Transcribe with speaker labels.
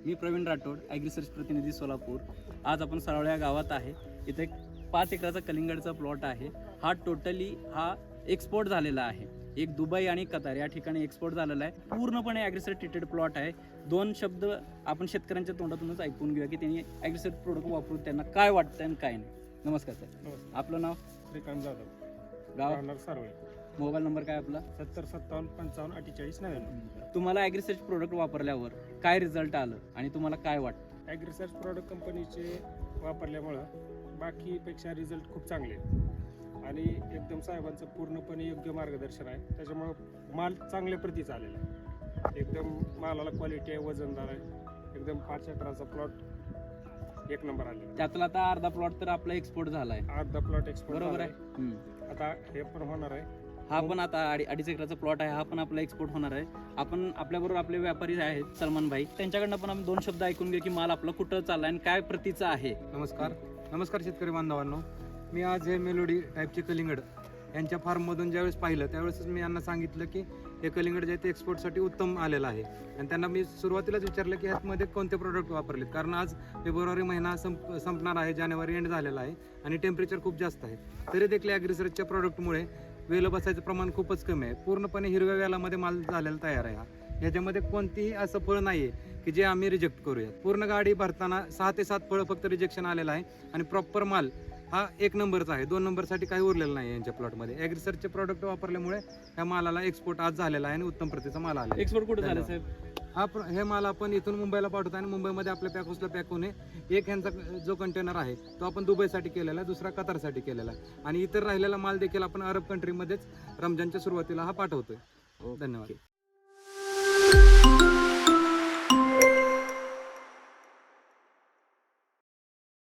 Speaker 1: मी प्रवीण राठोड, ॲग्रिसर्च प्रतिनिधी सोलापूर. आज आपण सरावळ्या गावात आहे. इथे 5 एकराचा कलिंगडचा प्लॉट आहे. हा टोटली एक्सपोर्ट झालेला आहे. एक दुबई आणि कतार या ठिकाणी एक्सपोर्ट झालेला आहे. पूर्णपणे ॲग्रिसर्च ट्रीटेड प्लॉट आहे. 2 शब्द आपण शेतकऱ्यांच्या तोंडातूनच ऐकून घेऊया की त्यांनी ॲग्रिसर्च प्रोडक्ट वापरून त्यांना काय वाटतं आणि काय नाही. नमस्कार सर.
Speaker 2: नमस्कार.
Speaker 1: आपलं नाव?
Speaker 2: श्रीकांत जाधव,
Speaker 1: गाव?
Speaker 2: राहणार सारोळे.
Speaker 1: मोबाईल नंबर काय आपला?
Speaker 2: 70 57 55 48 99.
Speaker 1: तुम्हाला ॲग्रिसर्च प्रोडक्ट वापरल्यावर काय रिझल्ट आलं आणि तुम्हाला काय वाटतं?
Speaker 2: ॲग्रिसर्च प्रॉडक्ट कंपनीचे वापरल्यामुळं बाकीपेक्षा रिझल्ट खूप चांगले आहेत आणि एकदम साहेबांचं पूर्णपणे योग्य मार्गदर्शन आहे. त्याच्यामुळं माल चांगल्या प्रतीचा आलेला आहे. एकदम मालाला क्वालिटी आहे, वजनदार आहे. एकदम 5 एकराचा प्लॉट एक नंबर आलेला.
Speaker 1: त्यातला आता अर्धा प्लॉट तर आपला एक्सपोर्ट झालाय.
Speaker 2: अर्धा प्लॉट एक्सपोर्ट
Speaker 1: बरोबर आहे.
Speaker 2: आता हे पण होणार आहे.
Speaker 1: हा पण आता 2.5 एकराचा प्लॉट आहे. हा पण आपला एक्सपोर्ट होणार आहे. आपण आपल्याबरोबर आपले व्यापारी आहेत सलमान भाई, त्यांच्याकडनं पण आपण 2 शब्द ऐकून घेऊ की माल आपला कुठं चाललाय आणि काय प्रतीचा आहे.
Speaker 3: नमस्कार शेतकरी बांधवांनो. मी आज हे मेलोडी टाईपचे कलिंगड यांच्या फार्ममधून ज्यावेळेस पाहिलं त्यावेळेसच मी यांना सांगितलं की हे कलिंगड जे आहे ते एक्सपोर्टसाठी उत्तम आलेलं आहे. आणि त्यांना मी सुरुवातीलाच विचारलं की ह्यामध्ये कोणते प्रोडक्ट वापरलेत, कारण आज फेब्रुवारी महिना संपणार आहे, जानेवारी एंड झालेला आहे आणि टेम्परेचर खूप जास्त आहे. तरी देखील ॲग्रिसर्चच्या प्रोडक्टमुळे वेल बसायचं प्रमाण खूपच कमी आहे. पूर्णपणे हिरव्या वेलामध्ये माल झालेला तयार आहे. ह्याच्यामध्ये कोणतीही असं फळ नाही आहे की जे आम्ही रिजेक्ट करूया. पूर्ण गाडी भरताना 6 ते 7 फळं फक्त रिजेक्शन आलेलं आहे आणि प्रॉपर माल हा 1 नंबरचा आहे. 2 नंबरसाठी काही उरलेलं नाही यांच्या प्लॉटमध्ये. ॲग्रिसर्चचे प्रोडक्ट वापरल्यामुळे ह्या मालाला एक्सपोर्ट आज झालेला आहे आणि उत्तम प्रतीचा माल आला.
Speaker 1: एक्सपोर्ट कुठे झालं साहेब?
Speaker 3: हे माल आपण इथून मुंबईला पाठवतो आणि मुंबईमध्ये आपल्या पॅकहाऊसला पॅक होणे. एक ह्यांचा जो कंटेनर आहे तो आपण दुबईसाठी केलेला आहे, दुसरा कतारसाठी केलेला आहे आणि इतर राहिलेला माल देखील आपण अरब कंट्रीमध्येच रमजानच्या सुरुवातीला हा पाठवतोय. धन्यवाद.